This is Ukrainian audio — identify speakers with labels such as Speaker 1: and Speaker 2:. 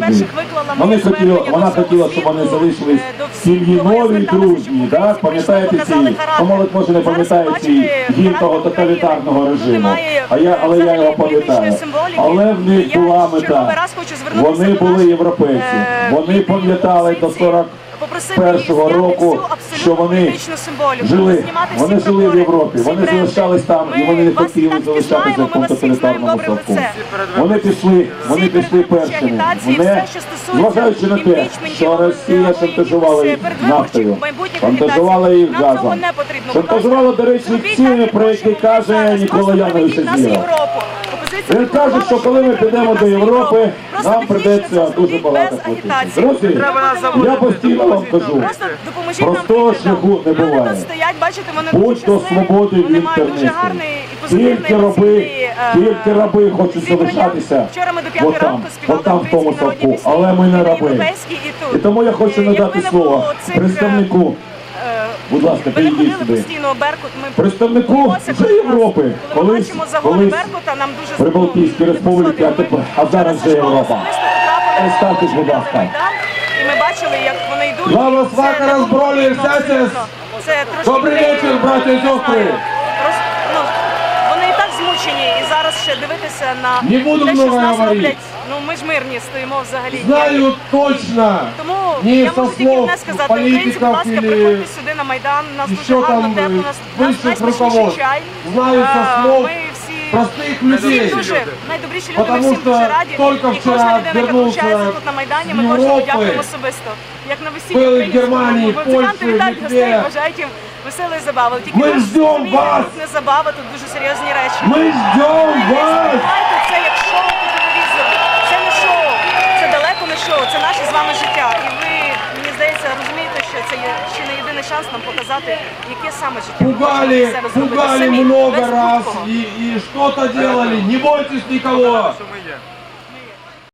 Speaker 1: туди. Вона хотіла, щоб вони залишились в сім'ї нові, дружні, так? Пам'ятаєте ці, молодь може не пам'ятає ці гімн того тоталітарного режиму, але я його пам'ятаю. Але в них була мета. Вони були європейці, вони пам'ятали до 41-го року, що вони жили в Європі, вони залишались там і вони не хотіли залишатися в тому тоталітарному совку. Вони пішли першими. Зважаючи на те, що Росія шантажувала їх нафтою, шантажувала їх газом, шантажувала, до речі, цінами, про які каже Нікола Янович Зіра. Він каже, що коли ми підемо до Європи, нам прийдеться дуже багато платити. Друзі, я постійно вам кажу, простого шляху не буває. Будь до свободи в інтернеті. Тільки раби хочуть залишатися отам в тому совку, але ми не раби. І тому я хочу надати слово представнику. Будь ласка, підійдіть сюди. Представнику вже Європи, колись Прибалтійські республіки, а зараз вже Європа. Ставтесь, будь ласка.
Speaker 2: І ми бачили, як вони йдуть.
Speaker 3: Слава свака розбролі, сесес! Добрий вечір, браті і сестри!
Speaker 2: Вони і так змучені, і зараз ще дивитися на те, що з нас роблять. Ну, ми ж мирні стоїмо взагалі.
Speaker 3: Знаю точно!
Speaker 2: Тому я можу тільки одне сказати, українці, будь ласка, приходьте сюди на Майдан, нас дуже гарно, тепло, нас найсмачніший чай.
Speaker 3: Знаю со слов
Speaker 2: ми всі
Speaker 3: простих людей.
Speaker 2: дуже найдобріші люди, ми всім дуже раді. І кожна людина, яка долучається тут на Майдані, ми кожному дякуємо особисто. Як на весіллі українському. Музиканти вітають гостей, бажають їм веселої забави. Тільки
Speaker 3: ми ждемо вас!
Speaker 2: Тут не забава, тут дуже серйозні речі.
Speaker 3: Ми ждемо вас!
Speaker 2: Це як шоу по телевізору. Це не шоу, це далеко не шоу, це наше з вами життя. І ви, мені здається, розумієте, що це є ще не єдиний шанс нам показати, яке саме життя.
Speaker 3: Пугали много раз и что-то делали. Не бойтесь никого.